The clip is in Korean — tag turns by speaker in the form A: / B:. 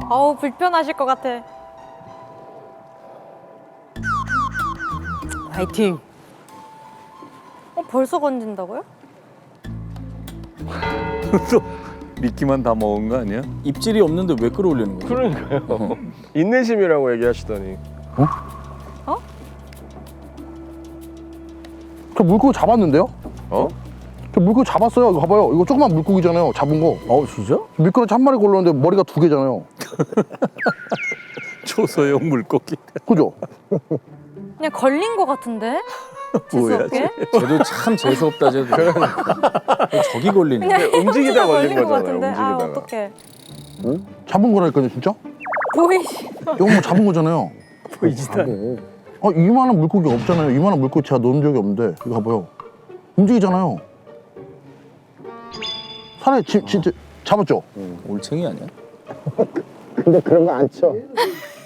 A: 아우 불편하실 것 같아.
B: 화이팅.
A: 벌써 건진다고요?
C: 또 미끼만 다 먹은 거 아니야?
D: 입질이 없는데 왜 끌어올리는 거야?
E: 그러니까요. 인내심이라고 얘기하시더니.
F: 저 물고기 잡았는데요?
E: 어?
F: 저 물고기 잡았어요. 이거 봐봐요. 이거 조그만 물고기잖아요. 잡은 거.
D: 진짜?
F: 미끄러지 한 마리 걸렸는데 머리가 2개잖아요.
C: 초소형 물고기.
F: 그죠?
A: 그냥 걸린 것 같은데?
C: 뭐야,
A: 재수없게?
D: 쟤도 참 재수없다 쟤도. 저기 걸리네.
A: 그냥
E: 움직이다 걸린
A: 것
E: 거잖아요,
A: 같은데? 아
E: 움직이다가.
A: 어떡해.
F: 잡은 거라니까요, 진짜?
A: 보이시.
F: 이거 뭐 잡은 거잖아요.
D: 보이지도 않아.
F: 이만한 물고기 없잖아요. 이만한 물고기 제가 넣은 적이 없는데 이거 봐봐요. 움직이잖아요. 살에 진짜 잡았죠?
D: 올챙이 아니야?
F: 근데 그런 거 안 쳐.